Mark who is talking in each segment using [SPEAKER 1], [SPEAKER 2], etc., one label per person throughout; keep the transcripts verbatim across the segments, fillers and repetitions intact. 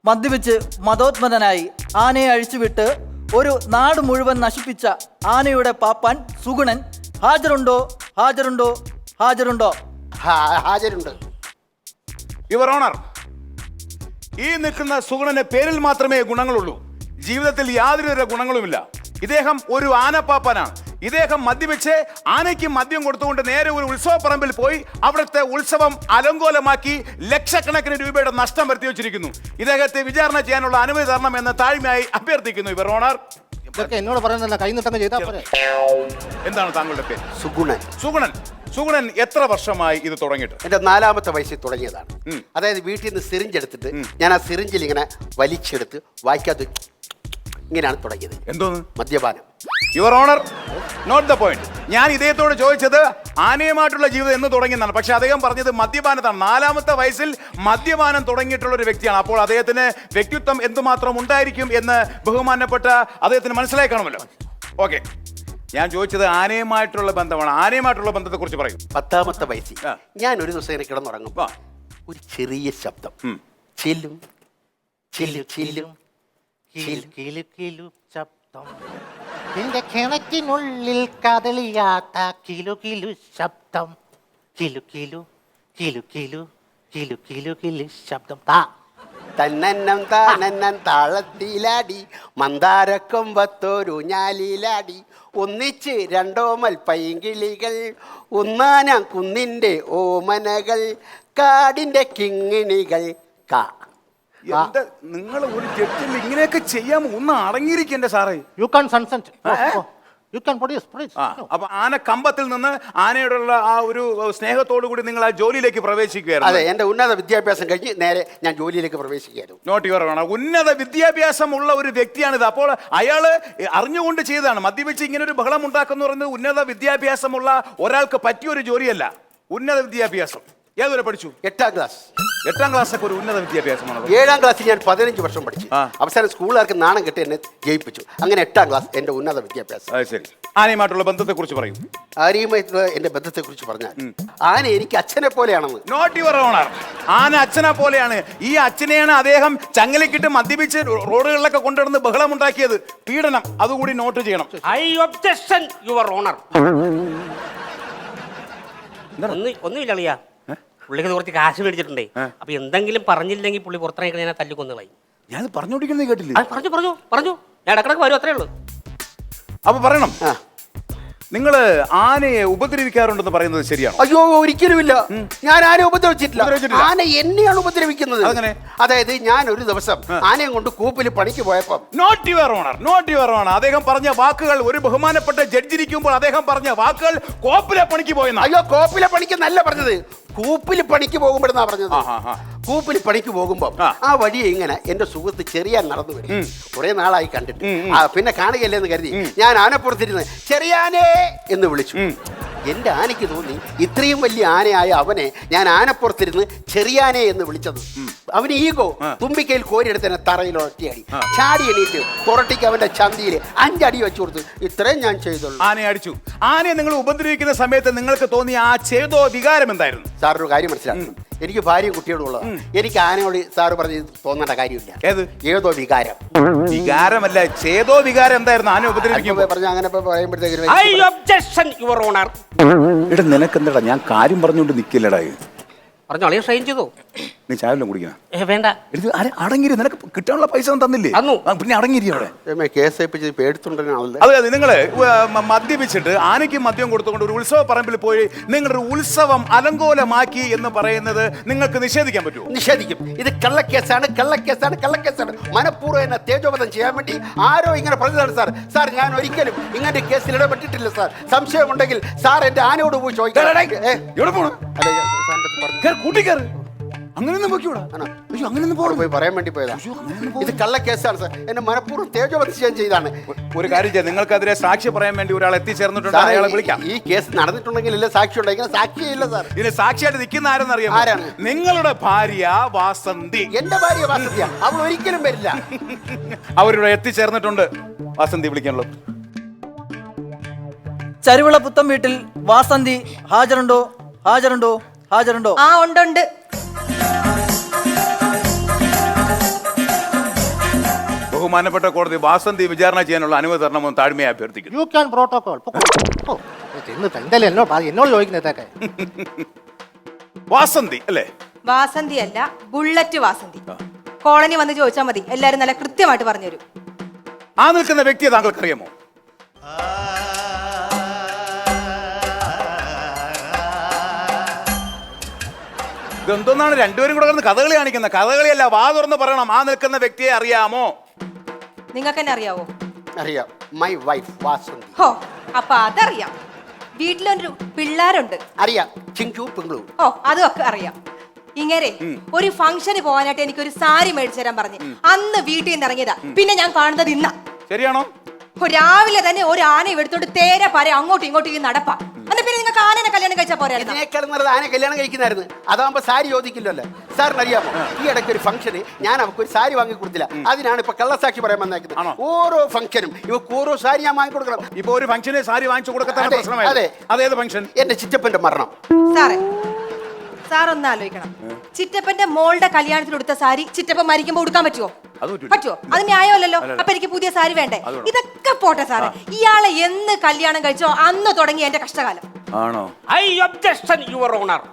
[SPEAKER 1] മദ്യപിച്ച് മതോന്മതനായി ആനയെ അഴിച്ചുവിട്ട് ഒരു നാട് മുഴുവൻ നശിപ്പിച്ച ആനയുടെ പാപ്പാൻ സുഗുണൻ ഹാജരുണ്ടോ ഹാജരുണ്ടോ ഹാജരുണ്ടോ?
[SPEAKER 2] ഹാജരുണ്ട്.
[SPEAKER 3] യുവർ ഓണർ, ഈ നിൽക്കുന്ന സുഗുണന്റെ പേരിൽ മാത്രമേ ഗുണങ്ങളുള്ളൂ. ജീവിതത്തിൽ യാതൊരു ഗുണങ്ങളുമില്ല. ഇദ്ദേഹം ഒരു ആനപ്പാപ്പാനാണ്. ഇദ്ദേഹം മദ്യപിച്ച് ആനയ്ക്ക് മദ്യം കൊടുത്തുകൊണ്ട് നേരെ ഒരു ഉത്സവ പറമ്പിൽ പോയി അവിടുത്തെ ഉത്സവം അലങ്കോലമാക്കി ലക്ഷക്കണക്കിന് രൂപയുടെ നഷ്ടം വരുത്തി വെച്ചിരിക്കുന്നു. ഇദ്ദേഹത്തെ വിചാരണ ചെയ്യാനുള്ള അനുമതി തരണം എന്ന് താഴ്മയായി അഭ്യർത്ഥിക്കുന്നു യുവർ ഓണർ.
[SPEAKER 2] എന്നോട് പറയുന്നില്ല, കൈ നിട്ടങ്ങ് ചെയ്താൽ പോരെ.
[SPEAKER 3] എന്താണ് താങ്കളുടെ പേര്?
[SPEAKER 2] സുഗുണൻ.
[SPEAKER 3] സുഗുണൻ. സുഗുണൻ എത്ര വർഷമായി ഇത് തുടങ്ങിയിട്ട്?
[SPEAKER 2] എന്റെ നാലാമത്തെ വയസ്സിൽ തുടങ്ങിയതാണ്. അതായത് വീട്ടിൽ നിന്ന് സിറിഞ്ച് എടുത്തിട്ട് ഞാൻ ആ സിറിഞ്ചിൽ ഇങ്ങനെ വലിച്ചെടുത്ത് വായിക്കാത്ത ഇങ്ങനെയാണ് തുടങ്ങിയത്.
[SPEAKER 3] എന്തോന്ന്?
[SPEAKER 2] മദ്യപാനം.
[SPEAKER 3] Your honour, not the point. ഞാൻ ഇദ്ദേഹത്തോട് ചോദിച്ചത് ആനയുമായിട്ടുള്ള ജീവിതം എന്ന് തുടങ്ങിയെന്നാണ്. പക്ഷെ അദ്ദേഹം പറഞ്ഞത് മദ്യപാനത്താണ്. നാലാമത്തെ വയസ്സിൽ മദ്യപാനം തുടങ്ങിയിട്ടുള്ള ഒരു വ്യക്തിയാണ്. അപ്പോൾ അദ്ദേഹത്തിന് വ്യക്തിത്വം എന്തുമാത്രം ഉണ്ടായിരിക്കും എന്ന് ബഹുമാനപ്പെട്ട അദ്ദേഹത്തിന് മനസ്സിലായി കാണുമല്ലോ. ഓക്കെ, ഞാൻ ചോദിച്ചത് ആനയുമായിട്ടുള്ള ബന്ധമാണ്. ആനയുമായിട്ടുള്ള ബന്ധത്തെ കുറിച്ച് പറയും.
[SPEAKER 2] പത്താമത്തെ വയസ്സിൽ ഞാൻ ഒരു ദിവസം ഇങ്ങനെ കിടന്നുറങ്ങുമ്പോ ഒരു ചെറിയ ശബ്ദം ചില്ലും ചില്ലും ചില്ലും കിലു കിലു ശബ്ദം. നിന്റെ കിണറ്റിനുള്ളിൽ കദളിയാട്ട കിലു കിലു ശബ്ദം. കിലു കിലു കിലു കിലു കിലു കിലു കിലു ശബ്ദം. താ തന്നന്നം താനന്നം താളത്തിലാടി മന്ദാരക്കൊമ്പത്തോരു ഞാലിലാടി ഒന്നിച്ച് രണ്ടോമൽ പൈങ്കിളികൾ ഒന്നാനാം കുന്നിൻ്റെ ഓമനകൾ കാടിൻ്റെ കിങ്ങിണികൾ. കാ
[SPEAKER 3] നിങ്ങൾ ഒരു ജഡ്ജിൽ ഇങ്ങനെയൊക്കെ ചെയ്യാമോ? ഒന്ന് അടങ്ങിയിരിക്കണ്ടേ സാറേ?
[SPEAKER 2] You can consent. You can produce produce.
[SPEAKER 3] അപ്പൊ ആന കമ്പത്തിൽ നിന്ന് ആനയോടുള്ള ആ ഒരു സ്നേഹത്തോടു കൂടി നിങ്ങൾ ആ ജോലിയിലേക്ക് പ്രവേശിക്കുകയായിരുന്നു.
[SPEAKER 2] അതെ, എന്റെ ഉന്നത വിദ്യാഭ്യാസം കഴിഞ്ഞ് നേരെ ഞാൻ ജോലിയിലേക്ക് പ്രവേശിക്കുകയായിരുന്നു.
[SPEAKER 3] നോട്ട് യുവർ ഓണർ, ഉന്നത വിദ്യാഭ്യാസമുള്ള ഒരു വ്യക്തിയാണിത്. അപ്പോൾ അയാള് അറിഞ്ഞുകൊണ്ട് ചെയ്തതാണ്. മദ്യപിച്ച് ഇങ്ങനെ ഒരു ബഹളം ഉണ്ടാക്കുന്ന പറയുന്നത് ഉന്നത വിദ്യാഭ്യാസമുള്ള ഒരാൾക്ക് പറ്റിയൊരു ജോലിയല്ല. ഉന്നത വിദ്യാഭ്യാസം ഏതുവരെ പഠിച്ചു?
[SPEAKER 2] എട്ടാം ക്ലാസ്.
[SPEAKER 3] എട്ടാം ക്ലാസ് ഒക്കെ ഒരു ഉന്നത വിദ്യാഭ്യാസമാണ്.
[SPEAKER 2] ഏഴാം ക്ലാസ്സിൽ ഞാൻ പതിനഞ്ച് വർഷം പഠിച്ചു. അവസാനം സ്കൂളുകാർക്ക് നാണം കെട്ടി എന്നെ ജയിപ്പിച്ചു. അങ്ങനെ എട്ടാം ക്ലാസ് എന്റെ ഉന്നത വിദ്യാഭ്യാസം.
[SPEAKER 3] ശരി, ആനയുമായിട്ടുള്ള ബന്ധത്തെ കുറിച്ച് പറയും.
[SPEAKER 2] ആനയുമായിട്ടുള്ള എന്റെ ബന്ധത്തെ കുറിച്ച് പറഞ്ഞാൽ ആന എനിക്ക് അച്ഛനെ പോലെയാണെന്ന്.
[SPEAKER 3] നോട്ട് യുവർ ഓണർ, ആന അച്ഛനെ പോലെയാണ്. ഈ അച്ഛനെയാണ് അദ്ദേഹം ചങ്ങലക്കിട്ട് മദ്യപിച്ച് റോഡുകളിലൊക്കെ കൊണ്ടുവന്ന് ബഹളം ഉണ്ടാക്കിയത്. പീഡനം അതുകൂടി നോട്ട് ചെയ്യണം.
[SPEAKER 4] I objection your honour. ഒന്നുമില്ല അളിയാ, പുള്ളിക്ക് കുറച്ച് കാശ് മേടിച്ചിട്ടുണ്ടേ. അപ്പൊ എന്തെങ്കിലും പറഞ്ഞില്ലെങ്കിൽ പുള്ളി പുറത്തിറങ്ങി ഞാൻ തല്ലിക്കൊന്നു കളയും.
[SPEAKER 3] ഞാൻ പറഞ്ഞോണ്ടിരിക്കുന്നത് കേട്ടില്ലേ?
[SPEAKER 4] പറഞ്ഞു പറഞ്ഞു പറഞ്ഞു ഞാൻ ഇടക്കിടക്ക് വരും, അത്രേ ഉള്ളൂ.
[SPEAKER 3] അപ്പൊ പറയണം, നിങ്ങൾ ആനയെ ഉപദ്രവിക്കാറുണ്ടെന്ന് പറയുന്നത് ശരിയാണ്?
[SPEAKER 2] അയ്യോ, ഒരിക്കലുമില്ല. ഞാൻ ആനയെ ഉപദ്രവിച്ചിട്ടില്ല. ആന എന്നെയാണ് ഉപദ്രവിക്കുന്നത്. അതായത് ഞാൻ ഒരു ദിവസം ആനയും കൊണ്ട് കൂപ്പിൽ പണിക്ക് പോയപ്പോ.
[SPEAKER 3] Note your honour, note your honour, അദ്ദേഹം പറഞ്ഞ വാക്കുകൾ, ഒരു ബഹുമാനപ്പെട്ട ജഡ്ജിരിക്കുമ്പോൾ അദ്ദേഹം പറഞ്ഞ വാക്കുകൾ കോപ്പിലെ പണിക്ക് പോയെന്ന്.
[SPEAKER 2] അയ്യോ, കോപ്പിലെ പണിക്ക് നല്ല പറഞ്ഞത്, കൂപ്പിൽ പണിക്ക് പോകുമ്പോഴെന്നാ പറഞ്ഞത്. കൂപ്പിൽ പണിക്ക് പോകുമ്പോ ആ വഴിയെ ഇങ്ങനെ എന്റെ സുഹൃത്ത് ചെറിയാൻ നടന്നു വരും. കുറെ നാളായി കണ്ടിട്ട്. പിന്നെ കാണുകയല്ലേ എന്ന് കരുതി ഞാൻ ആനപ്പുറത്തിരുന്ന് ചെറിയാനേ എന്ന് വിളിച്ചു. എന്റെ ആനയ്ക്ക് തോന്നി ഇത്രയും വലിയ ആനയായ അവനെ ഞാൻ ആനപ്പുറത്തിരുന്ന് ചെറിയാനെ എന്ന് വിളിച്ചത്. അവന് ഈഗോ തുമ്പിക്കയിൽ കോരിയെടുത്ത് എന്നെ തറയിൽ ഒറ്റയടി. ചാടി എണീറ്റ് പുറത്തേക്ക് അവന്റെ ചന്തിയിൽ അഞ്ചടി വെച്ചു കൊടുത്തു. ഇത്രയും ഞാൻ ചെയ്തുള്ളൂ.
[SPEAKER 3] ആനയെ അടിച്ചു. ആനയെ നിങ്ങൾ ഉപദ്രവിക്കുന്ന സമയത്ത് നിങ്ങൾക്ക് തോന്നിയ ആ ചേതോ വികാരം എന്തായിരുന്നു?
[SPEAKER 2] സാറൊരു കാര്യം മനസ്സിലാക്കണം, എനിക്ക് ഭാര്യയും കുട്ടിയോടും ഉള്ളത്. എനിക്ക് ആനയോട് സാറ് പറഞ്ഞ് തോന്നേണ്ട കാര്യമില്ല.
[SPEAKER 3] ഏത്?
[SPEAKER 2] ഏതോ വികാരം.
[SPEAKER 3] വികാരമല്ല, ചേതോ വികാരം എന്തായിരുന്നു? ആന ഉപദ്രവിക്കുമ്പോൾ
[SPEAKER 2] പറഞ്ഞ അങ്ങനെ പറയുമ്പോഴത്തേക്ക്
[SPEAKER 4] ഐ ഒബ്ജക്ഷൻ യുവർ ഓണർ.
[SPEAKER 3] എടാ, നിനക്കെന്താടാ? ഞാൻ കാര്യം പറഞ്ഞുകൊണ്ട് നിൽക്കില്ലടാ.
[SPEAKER 4] പറഞ്ഞു അളിയ ട്രെയിൻ ചെയ്തോ?
[SPEAKER 3] നീ ചായല്ലോ കുടിക്കണം.
[SPEAKER 4] വേണ്ട,
[SPEAKER 3] അടങ്ങിരി. നിനക്ക് കിട്ടാനുള്ള പൈസ ഒന്നും തന്നില്ലേ? പിന്നെ അടങ്ങിരി അവിടെ.
[SPEAKER 2] കേസ്
[SPEAKER 3] അതെ അതെ, നിങ്ങള് മദ്യപിച്ചിട്ട് ആനയ്ക്ക് മദ്യം കൊടുത്തുകൊണ്ട് ഒരു ഉത്സവ പറമ്പിൽ പോയി നിങ്ങളൊരു ഉത്സവം അലങ്കോലമാക്കി എന്ന് പറയുന്നത് നിങ്ങൾക്ക് നിഷേധിക്കാൻ പറ്റുമോ?
[SPEAKER 2] നിഷേധിക്കും. ഇത് കള്ളക്കേസാണ്, കള്ളക്കേസാണ്, കള്ളക്കേസാണ്. മനഃപൂർവ്വം എന്നെ തേജോവധം ചെയ്യാൻ വേണ്ടി ആരോ ഇങ്ങനെ പറഞ്ഞതാണ് സാർ. സാർ, ഞാൻ ഒരിക്കലും ഇങ്ങനത്തെ കേസിൽ ഇടപെട്ടിട്ടില്ല സാർ. സംശയമുണ്ടെങ്കിൽ സാർ എന്റെ ആനയോട് പോയി ചോദിക്കാം.
[SPEAKER 3] അങ്ങനെയൊന്നും പോയിക്കൂടാ.
[SPEAKER 2] അങ്ങനെയൊന്നും പോയി പറയാൻ വേണ്ടി പോയതാ. ഇത് കള്ളക്കേസാണ് സാർ. എന്നെ മനഃപൂർവ്വം തേജോവധം ചെയ്താണ്.
[SPEAKER 3] ഒരു കാര്യം ചെയ്യാം, നിങ്ങൾക്കെതിരെ സാക്ഷി പറയാൻ വേണ്ടി ഒരാൾ എത്തിച്ചേർന്നിട്ടുണ്ട്. അയാളെ വിളിക്കാം.
[SPEAKER 2] ഈ കേസ് നടന്നിട്ടുണ്ടെങ്കിൽ ഇല്ല സാക്ഷി ഉണ്ടെങ്കിൽ സാക്ഷിയില്ല സാർ.
[SPEAKER 3] ഇതിന് സാക്ഷിയായിട്ട് നിൽക്കുന്ന ആരെന്ന് അറിയാം?
[SPEAKER 2] ആരാണ്?
[SPEAKER 3] നിങ്ങളുടെ ഭാര്യ വാസന്തി.
[SPEAKER 2] എന്റെ ഭാര്യ വാസന്തിയാ? അവൾ ഒരിക്കലും വരില്ല.
[SPEAKER 3] അവരിവിടെ എത്തിച്ചേർന്നിട്ടുണ്ട്. വാസന്തി വിളിക്കാനുള്ളൂ.
[SPEAKER 1] ചരുവിള പുത്തം വീട്ടിൽ വാസന്തി ഹാജരുണ്ടോ ഹാജരുണ്ടോ ഹാജരുണ്ടോ?
[SPEAKER 5] ആ ഉണ്ട് ഉണ്ട്.
[SPEAKER 3] ബഹുമാനപ്പെട്ട കോടതി വാസന്തി വിചാരണ ചെയ്യാനുള്ള അനുമതി തരണമെന്ന് താഴ്മയെ അഭ്യർത്ഥിക്കുന്നു.
[SPEAKER 5] You can protocol. എന്തായാലും എന്നോട് എന്നോട് ചോദിക്കുന്നതൊക്കെ
[SPEAKER 3] വാസന്തി അല്ലേ?
[SPEAKER 6] വാസന്തി അല്ല, ബുള്ളറ്റ് വാസന്തി. കോളനി വന്ന് ചോദിച്ചാൽ മതി, എല്ലാരും നല്ല കൃത്യമായിട്ട് പറഞ്ഞുതരും.
[SPEAKER 3] ആ നിൽക്കുന്ന വ്യക്തിയെ താങ്കൾക്ക് അറിയാമോ? ഇതെന്താണ് രണ്ടുപേരും കൂടെ കിടന്ന് കഥകളി കാണിക്കുന്നത്? കഥകളിയല്ല, വാ തുറന്ന് പറയണം. ആ നിൽക്കുന്ന വ്യക്തിയെ അറിയാമോ?
[SPEAKER 6] നിങ്ങൾക്ക് തന്നെ അറിയാവോ?
[SPEAKER 2] അറിയാം, മൈ വൈഫ് വാസന്തി.
[SPEAKER 6] ഹോ, അപ്പൊ അതറിയാം. വീട്ടിലൊരു പിള്ളേരുണ്ട്.
[SPEAKER 2] അറിയാം, ചിങ്കു പിങ്കളു.
[SPEAKER 6] ഓ, അതും ഒക്കെ അറിയാം. ഇങ്ങനെ ഒരു ഫംഗ്ഷന് പോകാനായിട്ട് എനിക്കൊരു സാരി മേടിച്ചു തരാൻ പറഞ്ഞ് അന്ന് വീട്ടിൽ നിന്ന് ഇറങ്ങിയതാ. പിന്നെ ഞാൻ കാണുന്നത് ഇന്ന.
[SPEAKER 3] ശരിയാണോ?
[SPEAKER 6] രാവിലെ തന്നെ ഒരു ആന എടുത്തോണ്ട് തേരെ പാര അങ്ങോട്ടും ഇങ്ങോട്ടും നടപ്പാ. അന്ന് പിന്നെ നിങ്ങൾക്ക് ആനനെ കല്യാണം കഴിച്ചാൽ പോരായിരുന്നു?
[SPEAKER 2] ഇതിനേക്കാൾ നല്ലത് ആന കല്യാണം കഴിക്കുന്നതായിരുന്നു. അതാകുമ്പോ സാരി ചോദിക്കില്ലല്ലോ. സാറിന് അറിയാമോ, ഈ ഇടയ്ക്ക് ഒരു ഫംഗ്ഷന് ഞാൻ അവർക്ക് ഒരു സാരി വാങ്ങി കൊടുത്തില്ല. അതിനാണ് ഇപ്പൊ കള്ളസാക്ഷി പറയാൻ വന്നേക്കുന്നത്. ഓരോ ഫംഗ്ഷനും ഇവർക്ക് ഓരോ സാരി ഞാൻ വാങ്ങി കൊടുക്കണം.
[SPEAKER 3] ഇപ്പൊ ഒരു ഫംഗ്ഷന് സാരി വാങ്ങിച്ചു കൊടുക്കത്താണ് പ്രശ്നമായി.
[SPEAKER 2] അതെ.
[SPEAKER 3] അതേത് ഫംഗ്ഷൻ?
[SPEAKER 2] എന്റെ ചിറ്റപ്പന്റെ മരണം.
[SPEAKER 6] സാറേ, സാർ ഒന്ന് ആലോചിക്കണം. ചിറ്റപ്പന്റെ മോളുടെ കല്യാണത്തിന് കൊടുത്ത സാരി ചിറ്റപ്പൻ മരിക്കുമ്പോ കൊടുക്കാൻ പറ്റുമോ? പറ്റുമോ? അത് ന്യായമല്ലല്ലോ. അപ്പൊ എനിക്ക് പുതിയ സാരി വേണ്ടേ? ഇതൊക്കെ പോട്ടെ സാറേ, ഇയാളെ എന്ന് കല്യാണം കഴിച്ചോ അന്ന് തുടങ്ങി എന്റെ കഷ്ടകാലം.
[SPEAKER 3] ആണോ?
[SPEAKER 4] I objection your honour.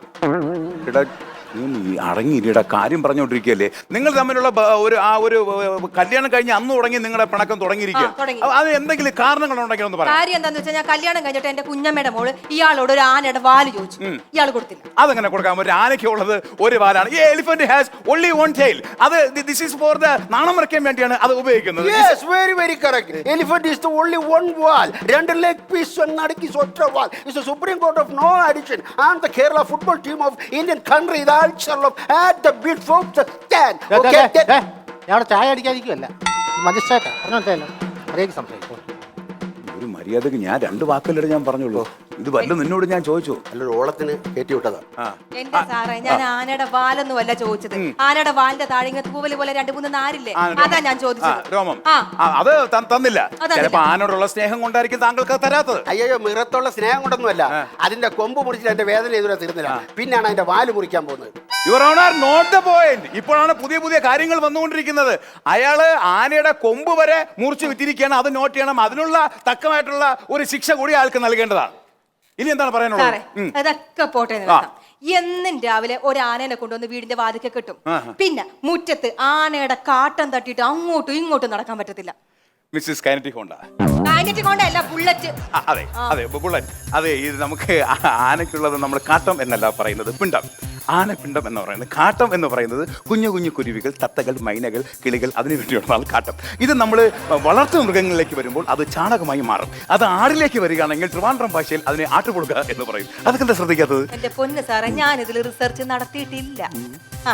[SPEAKER 3] അടങ്ങിയില്ല, കാര്യം പറഞ്ഞുകൊണ്ടിരിക്കുകയല്ലേ. നിങ്ങൾ തമ്മിലുള്ള ബ- ഒരു ആ ഒരു ഏർ, കല്യാണം കഴിഞ്ഞ് അന്ന് തുടങ്ങി നിങ്ങളുടെ പിണക്കം തുടങ്ങിയിരിക്കുക.
[SPEAKER 6] ആ, തുടങ്ങി.
[SPEAKER 3] അത് എന്തെങ്കിലും കാരണങ്ങൾ ഉണ്ടെങ്കിൽ ഒന്ന് പറയാം.
[SPEAKER 6] കാര്യം എന്താന്ന് വെച്ചാൽ ഞാൻ കല്യാണം കഴിഞ്ഞിട്ട് എന്റെ കുഞ്ഞമ്മയുടെ മോള് ഇയാളോട് ഒരു ആനയുടെ വാല് ചോദിച്ചു. ഇയാൾ കൊടുത്തില്ല.
[SPEAKER 3] അതെങ്ങനെ കൊടുക്കാം? ഒരു ആനയ്ക്ക് ഉള്ളത് ഒരു വാലാണ്. ഈ elephant has only one tail. അത് ദിസ് ഈസ് ഫോർ ദ നാണം മറയ്ക്കാൻ വേണ്ടിയാണ് അത് ഉപയോഗിക്കുന്നത്.
[SPEAKER 2] Yes, very very correct. Elephant is the only one wall. രണ്ട് leg piece നടുക്കി ഒറ്റ wall. It's the Supreme Court of no addition. And the Kerala football team of Indian country, the ulcer of at the bid from the stand. Okay.
[SPEAKER 5] ഞാൻ അവിടെ ചായ അടിക്കാതിരിക്കുമല്ല, മജിസ്ട്രേറ്റാ. പറഞ്ഞല്ലോ അറിയാൻ സംശയിക്കും.
[SPEAKER 3] ഒരു മര്യാദക്ക് ഞാൻ രണ്ട് വാക്കല്ലേ ഞാൻ പറഞ്ഞുള്ളൂ. ഇത് വല്ല നിന്നോട് ഞാൻ ചോദിച്ചു.
[SPEAKER 2] നല്ലൊരു ഓളത്തിന് കയറ്റി വിട്ടതാ.
[SPEAKER 6] എന്റെ സാറേ, ഞാൻ ആനയുടെ വാലൊന്നും അല്ല ചോദിച്ചത്. ആനയുടെ വാലിന്റെ താഴെ തൂവല് പോലെ രണ്ട് മൂന്ന് നാരില്ലേ, അതാ ഞാൻ ചോദിച്ചത്.
[SPEAKER 3] രോമം
[SPEAKER 6] ആ.
[SPEAKER 3] ആ, അത് ത- തന്നില്ല.
[SPEAKER 6] അതല്ല.
[SPEAKER 3] ചിലപ്പോ ആനോടുള്ള സ്നേഹം കൊണ്ടായിരിക്കും താങ്കൾക്ക് അത് തരാത്തത്.
[SPEAKER 2] അയ്യോ, മിറത്തുള്ള സ്നേഹം കൊണ്ടൊന്നുമല്ല. അതിന്റെ കൊമ്പ് മുറിച്ചിട്ട് എന്റെ വേദന ഇതുവരെ തീർന്നില്ല. പിന്നാണ് അതിന്റെ വാല് മുറിക്കാൻ പോകുന്നത്.
[SPEAKER 3] Your honour, not the point. ഇപ്പോഴാണ് പുതിയ പുതിയ കാര്യങ്ങൾ വന്നുകൊണ്ടിരിക്കുന്നത്. അയാള് ആനയുടെ കൊമ്പ് വരെ മുറിച്ച് വിറ്റിരിക്കുകയാണ്. അത് നോട്ട് ചെയ്യണം. അതിനുള്ള തക്കമായിട്ടുള്ള ഒരു ശിക്ഷ കൂടി അയാൾക്ക് നൽകേണ്ടതാണ്. ഇനി എന്താണ് പറയാനുള്ളത്?
[SPEAKER 6] സാറേ, അതൊക്കെ പോട്ടെ എന്ന് വെക്കാം. എന്നും രാവിലെ ഒരു ആനനെ കൊണ്ടുവന്ന് വീടിന്റെ വാതിക്കെ കിട്ടും. പിന്നെ മുറ്റത്ത് ആനയുടെ കാട്ടം തട്ടിയിട്ട് അങ്ങോട്ടും ഇങ്ങോട്ടും നടക്കാൻ പറ്റത്തില്ല.
[SPEAKER 3] Mrs kinetic Honda.
[SPEAKER 6] കാഞ്ഞിട്ട് കൊണ്ടല്ല, ബുള്ളറ്റ്.
[SPEAKER 3] ആ, അതെ അതെ ബുള്ളറ്റ്. അതെ, ഇത് നമുക്ക് ആ- ആനയ്ക്കുള്ളത് നമ്മൾ കാട്ടം എന്നല്ല പറയുന്നത്, പിണ്ടം. ആനപ്പിണ്ടം എന്ന് പറയുന്നത്. കാട്ടം എന്ന് പറയുന്നത് കുഞ്ഞു കുഞ്ഞു കുരുവികൾ, തത്തകൾ, മൈനകൾ, കിളികൾ, അതിനു വേണ്ടിയുള്ളതാണ് കാട്ടം. ഇത് നമ്മൾ വളർത്തു മൃഗങ്ങളിലേക്ക് വരുമ്പോൾ അത് ചാണകമായി മാറും. അത് ആടിലേക്ക് വരികയാണെങ്കിൽ ട്രിവാൻഡ്രം ഭാഷയിൽ അതിനെ ആട്ടുകൊടുക്കുക എന്ന് പറയും. അതൊക്കെ എന്താ ശ്രദ്ധിക്കാത്തത്?
[SPEAKER 6] എന്റെ പൊന്ന് സാറേ, ഞാൻ ഇതിൽ റിസർച്ച് നടത്തിയിട്ടില്ല. ആ,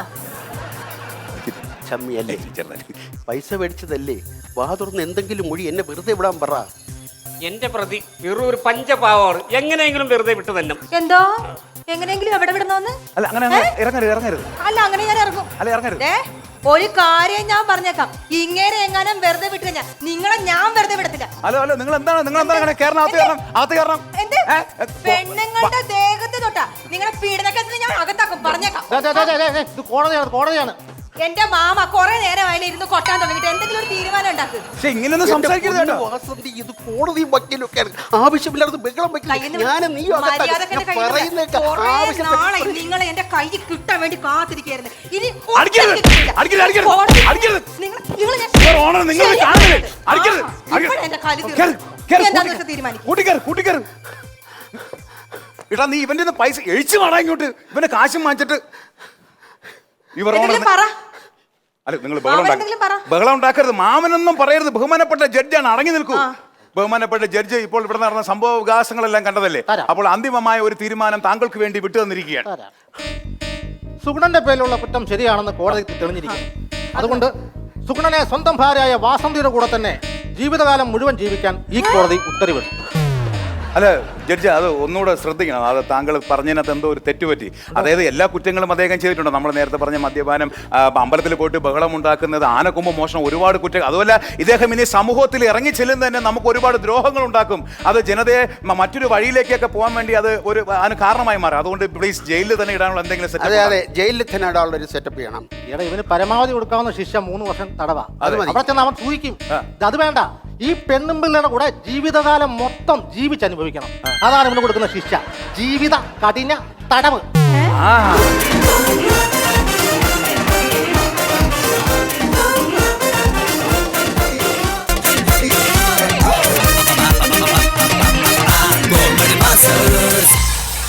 [SPEAKER 2] ചമ്മിയല്ലേ, പൈസ മേടിച്ചതല്ലേ? വാ തുറന്ന് എന്തെങ്കിലും മൊഴി എന്നെ വെറുതെ വിടാൻ പറ.
[SPEAKER 4] എന്റെ പ്രതി വെറും ഒരു പഞ്ചപാവമാണ്. എങ്ങനെയെങ്കിലും വെറുതെ വിട്ടു തന്നെ.
[SPEAKER 6] എന്തോ എങ്ങനെയെങ്കിലും എവിടെ വിടണോന്ന്?
[SPEAKER 3] അല്ല, അങ്ങനെ അങ്ങനെ ഇറങ്ങരുത് ഇറങ്ങരുത്
[SPEAKER 6] അല്ല, അങ്ങനെ ഞാൻ ഇറങ്ങും.
[SPEAKER 3] അല്ല, ഇറങ്ങരുത്.
[SPEAKER 6] ദേ, ഒരു കാര്യം ഞാൻ പറഞ്ഞേക്കാം. ഇങ്ങനെ എങ്ങാനും വെറുതെ വിട്ടു കഴിഞ്ഞാൽ നിങ്ങളെ ഞാൻ വെറുതെ വിടത്തില്ല.
[SPEAKER 3] ഹലോ ഹലോ നിങ്ങൾ എന്താണ് നിങ്ങൾ എന്താണ് അങ്ങനെ കയറണം? അകത്ത് കയറണം, അകത്ത് കയറണം.
[SPEAKER 6] എന്ത്? പെണ്ണുങ്ങളുടെ ദേഹത്ത് തൊട്ടാ നിങ്ങളെ പീഡനക്കേസിന് ഞാൻ അകത്താക്കും, പറഞ്ഞേക്കാം.
[SPEAKER 5] ദേ, ദേ, ദേ, ദേ, ദേ, ഇത് കോടതിയാണ്, കോടതിയാണ്.
[SPEAKER 6] എന്റെ മാമ കുറെ നേരം അതിൽ ഇരുന്ന് കൊട്ടാൻ തുടങ്ങിട്ട് എന്തെങ്കിലും ഒരു തീരുമാനം ഉണ്ടാക്കും.
[SPEAKER 3] പക്ഷെ ഇങ്ങനെയൊന്നും സംസാരിക്കരുത് കേട്ടോ.
[SPEAKER 2] വാസന്തി, ഇത് കോടതിയും വക്കീലൊക്കെയാണ്. ആവശ്യമില്ലാതെ ബഹളം വയ്ക്കില്ല. ഞാനും നീ
[SPEAKER 6] നിങ്ങളെ എന്റെ കൈ കിട്ടാൻ വേണ്ടി കാത്തിരിക്കായിരുന്നു. ഇനി
[SPEAKER 3] അടിക്കരുത്, അടിക്കരുത്, അടിക്കരുത്, അടിക്കരുത്. Your Honor, നിങ്ങൾ ഇത് കാണരുത്. അടിക്കരുത്, അടിക്കരുത്. കേറ്, കേറ്,
[SPEAKER 6] തീരുമാനിക്കും.
[SPEAKER 3] കൂട്ടിക്കേറ്, കൂട്ടിക്കേറ്. എടാ, നീ ഇവന്റെ കയ്യിന്ന് പൈസ എഴിച്ചു വേണം ഇങ്ങോട്ട്. ഇവന്റെ കാശും വാങ്ങിച്ചിട്ട് ഇവർ അല്ല, നിങ്ങൾ ബഹളം ഉണ്ടാക്കരുത്. ബഹളം ഉണ്ടാക്കരുത്. മാമനൊന്നും പറയരുത്. ബഹുമാനപ്പെട്ട ജഡ്ജാണ്, അടങ്ങി നിൽക്കൂ. ബഹുമാനപ്പെട്ട ജഡ്ജ് ഇപ്പോൾ ഇവിടെ നടന്ന സംഭവ വികാസങ്ങളെല്ലാം കണ്ടതല്ലേ? അപ്പോൾ അന്തിമമായ ഒരു തീരുമാനം താങ്കൾക്ക് വേണ്ടി വിട്ടു തന്നിരിക്കുകയാണ്.
[SPEAKER 5] സുഗുണന്റെ പേരിലുള്ള കുറ്റം ശരിയാണെന്ന് കോടതി തെളിഞ്ഞിരിക്കുന്നു. അതുകൊണ്ട് സുഗുണനെ സ്വന്തം ഭാര്യയായ വാസന്തിയുടെ കൂടെ തന്നെ ജീവിതകാലം മുഴുവൻ ജീവിക്കാൻ ഈ കോടതി ഉത്തരവിട്ടു.
[SPEAKER 3] അല്ല ജഡ്ജി അത് ഒന്നുകൂടെ ശ്രദ്ധിക്കണം. അത് താങ്കൾ പറഞ്ഞതിനകത്ത് എന്തോ ഒരു തെറ്റുപറ്റി. അതായത് എല്ലാ കുറ്റങ്ങളും അദ്ദേഹം ചെയ്തിട്ടുണ്ട്. നമ്മൾ നേരത്തെ പറഞ്ഞ മദ്യപാനം, ആ, അമ്പലത്തിൽ പോയിട്ട് ബഹളം ഉണ്ടാക്കുന്നത്, ആനക്കൊമ്പ് മോഷണം, ഒരുപാട് കുറ്റങ്ങൾ. അതുമല്ല ഇദ്ദേഹം ഇനി സമൂഹത്തിൽ ഇറങ്ങി ചെല്ലുന്നത് തന്നെ നമുക്ക് ഒരുപാട് ദ്രോഹങ്ങൾ ഉണ്ടാക്കും. അത് ജനതയെ മ- മറ്റൊരു വഴിയിലേക്കൊക്കെ പോകാൻ വേണ്ടി അത് ഒരു അതിന് കാരണമായി മാറും. അതുകൊണ്ട് പ്ലീസ് ജയിലിൽ തന്നെ ഇടാനുള്ള എന്തെങ്കിലും
[SPEAKER 2] അതെ
[SPEAKER 3] സെറ്റ്.
[SPEAKER 2] അതെ, ജയിലിൽ തന്നെ ഇടാനുള്ള ഒരു സെറ്റപ്പ് ചെയ്യണം.
[SPEAKER 5] എടാ ഇവന് പരമാവധി കൊടുക്കാവുന്ന ശിക്ഷ മൂന്ന് വർഷം തടവാ.
[SPEAKER 2] അത് മതി.
[SPEAKER 5] അവിടെ ചെന്ന് അവൻ സൂഹിക്കും. അത് വേണ്ട, ഈ പെണ്ണും പിള്ളേരുടെ കൂടെ ജീവിതകാലം മൊത്തം ജീവിച്ചനുഭവിക്കണം. അതാണ് ഇവന് കൊടുക്കുന്ന ശിക്ഷ, ജീവിത കഠിന തടവ്.
[SPEAKER 3] ആ